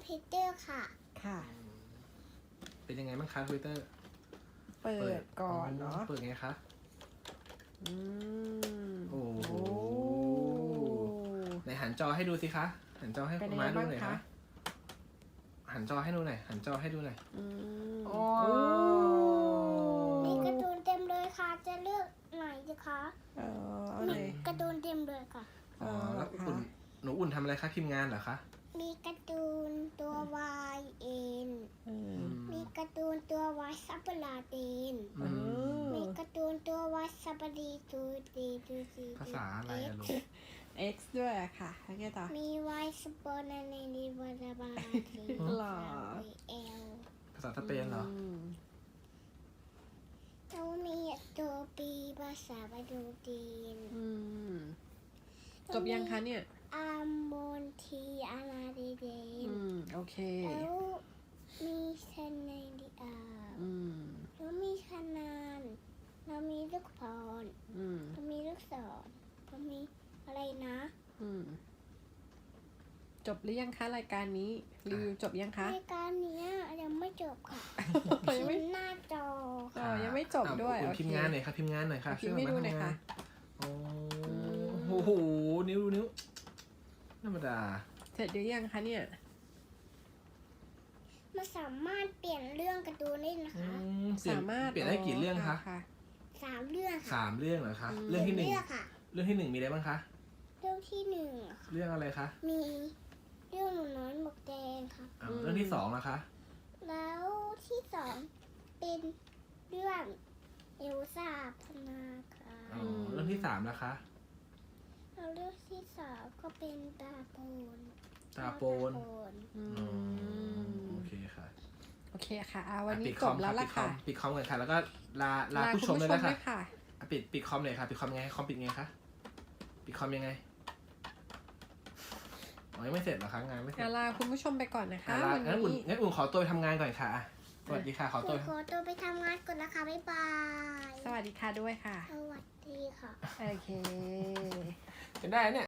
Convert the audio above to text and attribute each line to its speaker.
Speaker 1: วิตเตอร์ค่ะ
Speaker 2: ค่ะ
Speaker 3: เป็นยังไงบ้างคะทวิตเตอร์
Speaker 2: เปิดก่อนเนาะ
Speaker 3: เปิดไงคะ
Speaker 2: อืม
Speaker 3: โอ้โห
Speaker 2: โอ้
Speaker 3: ไหนหันจอให้ดูสิคะหันจอให้
Speaker 2: เป็น
Speaker 3: คุณ
Speaker 2: ยังไง
Speaker 3: ม้าดู
Speaker 2: บ้าง
Speaker 3: หน่อย
Speaker 2: คะ
Speaker 3: คะหันจอให้ดูหน่อยหันจอให้ดูหน่อย
Speaker 2: อืม
Speaker 3: โอ้
Speaker 1: มีการ์ตูนเต็มเลยค่ะ จะเลือกไหนดีคะ
Speaker 2: เอา
Speaker 1: มี
Speaker 2: เลย
Speaker 1: การ์ตูนเต็มเลยค่ะ
Speaker 3: อ๋อแล้ว
Speaker 2: ค่ะ
Speaker 3: หนูอุ่นทำอะไรคะพิมพ์งานเหรอคะ
Speaker 1: มีการ์ตูนตัว Y N
Speaker 2: อืม
Speaker 1: มีการ์ตูนตัว Y ซับเปอร์ลาเดน
Speaker 3: อืม
Speaker 1: มีการ์ตูนตัว Y ซับเปอร์ดีตูดีตูดี
Speaker 3: ภาษาอะไรอะลูก
Speaker 2: X ด้วยอะค่ะแล้วไงต่อ
Speaker 1: มี Y สปอร์นาเนดีวาราบาที
Speaker 2: หรอ
Speaker 1: เอล
Speaker 3: ภาษาสเปนเหรอ
Speaker 2: ม
Speaker 1: แล้วมีตัวปีภาษาบาดูจีน
Speaker 2: อืมจบยังคะเนี่ย
Speaker 1: อามอนทีอาราเดเดน
Speaker 2: อืม โอเค
Speaker 1: แล้วมีชนในดีอา
Speaker 2: อืม
Speaker 1: แล้วมีขนานแล้วมีลูกพร
Speaker 2: อืม
Speaker 1: แล้วมีลูกศรแล้วมีอะไรนะ
Speaker 2: อืม จบหรือยังคะรายการนี้รีวิวจบยังคะ
Speaker 1: รายการเนี้ยยังไม่จบค่ะ
Speaker 2: ยังไม่
Speaker 1: พิมพ์หน้าจอ
Speaker 2: อ๋อยังไม่จบด้วย
Speaker 3: อ่ะ
Speaker 2: โอเค
Speaker 3: พิมพ์งานหน่อยค่ะพิมพ์งานหน่อยค่ะ
Speaker 2: พิมพ์ให้ดูหน่อยค่ะ
Speaker 3: โอ้โหนิ้วธรรมดา
Speaker 2: เสร็จหรือยังคะเนี่ย
Speaker 1: มันสามารถเปลี่ยนเรื่องการ์ตูนได้นะ
Speaker 3: อื
Speaker 1: คะ
Speaker 3: มเปลี่ยน
Speaker 2: สามารถ
Speaker 3: เปลี่ยนได้กี่เรื่องคะ
Speaker 2: ค่ะ
Speaker 1: 3 เรื่องค่ะ
Speaker 3: 3 เรื่องเหรอคะ
Speaker 2: อืม
Speaker 3: เรื่องที่หนึ่ง
Speaker 1: เลือกค่ะ
Speaker 3: เรื่องที่หนึ่งมีอะไรบ้างคะ
Speaker 1: เรื่องที่1ค่ะ
Speaker 3: เรื่องอะไรคะ
Speaker 1: มีเรื่องหนูน้อยหมวกแดงค่ะ
Speaker 3: อ่าเรื่องที่สองนะคะ
Speaker 1: แล้วที่2เป็นเรื่องเอลซ่าพนาคา
Speaker 3: อ๋อเรื่องที่สามนะคะ
Speaker 1: แล้วเรื่องที่3ก็เป็นตาโปน
Speaker 3: ตาโปน
Speaker 2: อื
Speaker 3: อ๋อ
Speaker 2: ม
Speaker 3: โอเคค่ะ
Speaker 2: โอเคค่ะวันนี้
Speaker 3: ปิด
Speaker 2: จบแล้วล่ะค่ะ
Speaker 3: ปิดคอมกันค่ะ แล้วก็ลา
Speaker 2: คุ
Speaker 3: ผู้
Speaker 2: ณ
Speaker 3: ชมเลยนะคะ
Speaker 2: ด้วยค่ะ
Speaker 3: อ่ะปิดคอมเลยค่ะปิดคอมไงคอมปิดไงคะปิดคอมยังไงอ๋อยังไม่เสร็จเหรอคะงานไม่เสร็จ
Speaker 2: ลาคุณผู้ชมไปก่อนนะคะ
Speaker 3: ลา
Speaker 2: วัน
Speaker 3: งั้นอุ่น
Speaker 2: นี้
Speaker 3: ขอตัวไปทำงานก่อนค่ะอ่ะสวัสดีค่ะขอ
Speaker 1: ห
Speaker 3: ตั
Speaker 1: นู
Speaker 3: ว
Speaker 1: ขอตัวไปทำงานก่อนนะคะ บ๊ายบาย
Speaker 2: สวัสดีค่ะด้วยค่ะ
Speaker 1: สวัสดีค่ะ
Speaker 2: โอเค
Speaker 3: เป็นได้เนี่ย